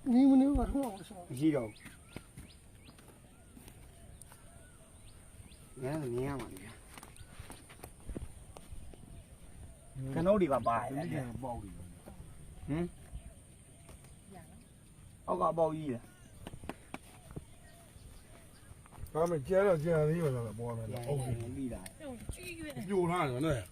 你们那个什么什么？ မရှိတော့ငါလည်းမြင်ရမှာလေကနိုးဒီပါပါတယ်ဟင်အောက်ကပေါက်ကြီးလား他们接了进来的又在那包了， ပြီးတာ丢啥了呢？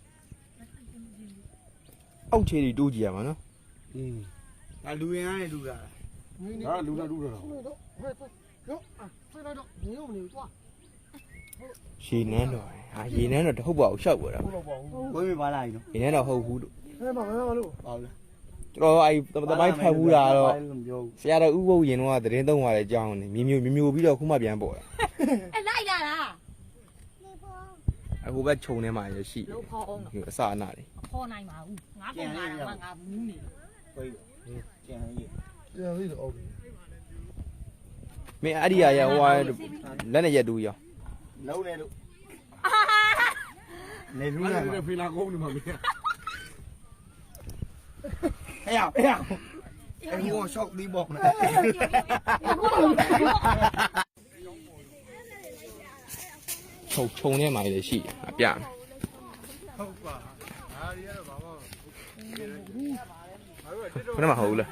အောက်ခြေတွေတိုးကြည့်ရမှာနော်ဒါလူရင်အားနဲ့လူတာ啊，撸了撸了。快快，行啊，再来着，你又没抓， ရေနန်းတော်ဟာရေနန်းတော်တဟုတ်ပါဘူးရှောက်ပေါ်တာ够了包。 ကိုယ်မပါလာရင်ရေနန်းတော်ဟုတ်ဘူးလို့哎，妈妈路， ပေါ့လားကျွန်တော်အဲ့တမိုင်းဖတ်ဘူးတာတော့မပြောဆရာတော်ဥပုပ်ရင်တော့သတင်းသုံးပါလေကြောင်းနေမျိုးပြီးတော့ခုမှပြန်ပေါ်တာ哎，来啦啦！ အခုပဲခြုံထဲမှာရရှိ有泡အောင်တယ်အစအနာတွေ泡နိုင်မှာဦးငါပုံလာတာငါဘူးနေကိုယ်ကျန်ရည်这样子就 OK。 မင်းအဲ့ဒီရဟိုလက်နဲ့ရက်တူရောလုံးနေလို့နေလူလာ这飞拉钩呢嘛没？ ဟဲ့ရအဲ့ဒီကရှော့ဒီဘောက်နေခြုံထဲမှာလည်းရှိတယ်အပြမယ်ဟုတ်ပါအားရတော့ဘာမှခဏမှဟုတ်လား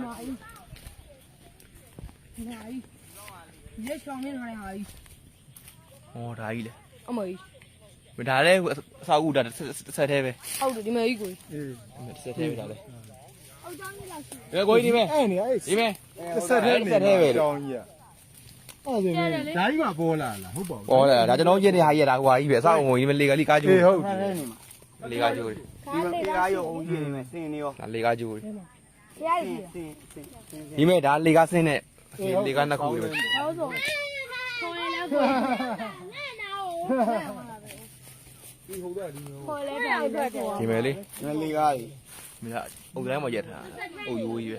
ရေရှောင်းနေလာဟာကြီးဟောဒါကြီးလေအမေကြီးဒါလည်းအစာအုပ်ဒါဆက်သေးပဲဟုတ်တယ်ဒီမေကြီးကိုဆက်သေးပဲဒါလည်းဘယ်ကိုကြီးဒီမဲအဲ့နေအဲ့ဒီမဲဆက်တဲ့နေဆက်သေးပဲကြောင်းကြီးอ่ะအဲ့ဒါဓာကြီးမှာပေါ်လာလားဟုတ်ပါဘူးဟောတယ်ဒါကျွန်တော်ကျင်းတဲ့ဟာကြီးဒါဟွာကြီးပဲအစာအုပ်ဝင်ဒီမဲလေကလေးကားကျိုးအေးဟုတ်ထားနေမှာလေကားကျိုးဒီကေကားရောအုံကြီးနေမယ်စင်နေရောဒါလေကားကျိုးဖျားကြီးစင်ဒီမဲဒါလေကားဆင်းတဲ့လေကားနှစ်ခုပဲဟောဆိုခေါ်ရလဲခေါ်ဒီဟုတ်တယ်ဒီမျိုးခေါ်လဲပြန်အတွက်ဒီမဲလေးငလေးကားကြီးမင်းအုပ်တိုင်းမှာရက်ထားအုပ်ရိုးကြီးပဲ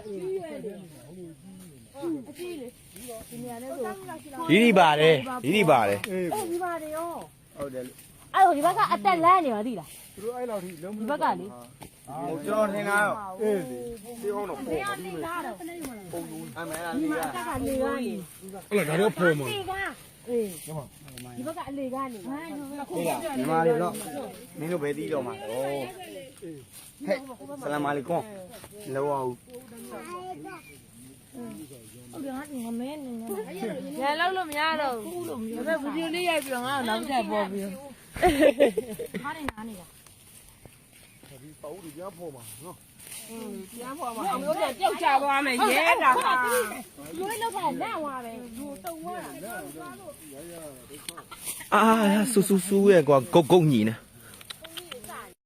အကြီးလေဒီနေရာနဲ့ဆိုဒီပါတယ်ဒီပါတယ်အေးအေးဒီပါတယ်ရောဟုတ်တယ်အဲ့တော့ဒီဘက်ကအတက်လန်းနေပါသိလားသူတို့အဲ့လောက်ထိလုံးမဒီဘက်ကလေဟိုကျွန်တော်ထင်တာရောအေးဒီဟောင်းတော့နေရာနေလားတော့အမေလားဒီလေးမှာကားအတက်ကနေကနေအဲ့ဒါတော့ပေါ်မှာလေကအေးဒီဘက်ကအလေကနေဟေးလားညီမလေးတော့မင်းတို့ဘယ်တီးတော့မှာတော့ဟဲ့ဆလာမအလိုင်ကွမ်လောအောင်ဟုတ်တယ်ငါမဲနေနေရလောက်လို့မရတော့ဘူးလို့ဒါပေမဲ့ဗီဒီယိုလေးရိုက်ပြီးတော့ငါ့ကိုနောက်ထပ်ပေါ်ပြီးဟာနေနားနေတာဒီပေါဦးတွေကြားပေါ်မှာနော်ပြန်ပေါ်မှာမျိုးတဲ့ကြောက်ကြသွားမယ်ရဲတာဟာလွေးလောက်ကလန့်သွားတယ်လူတုံသွားတာအာဆူရဲ့ကွာဂုတ်ညီနေ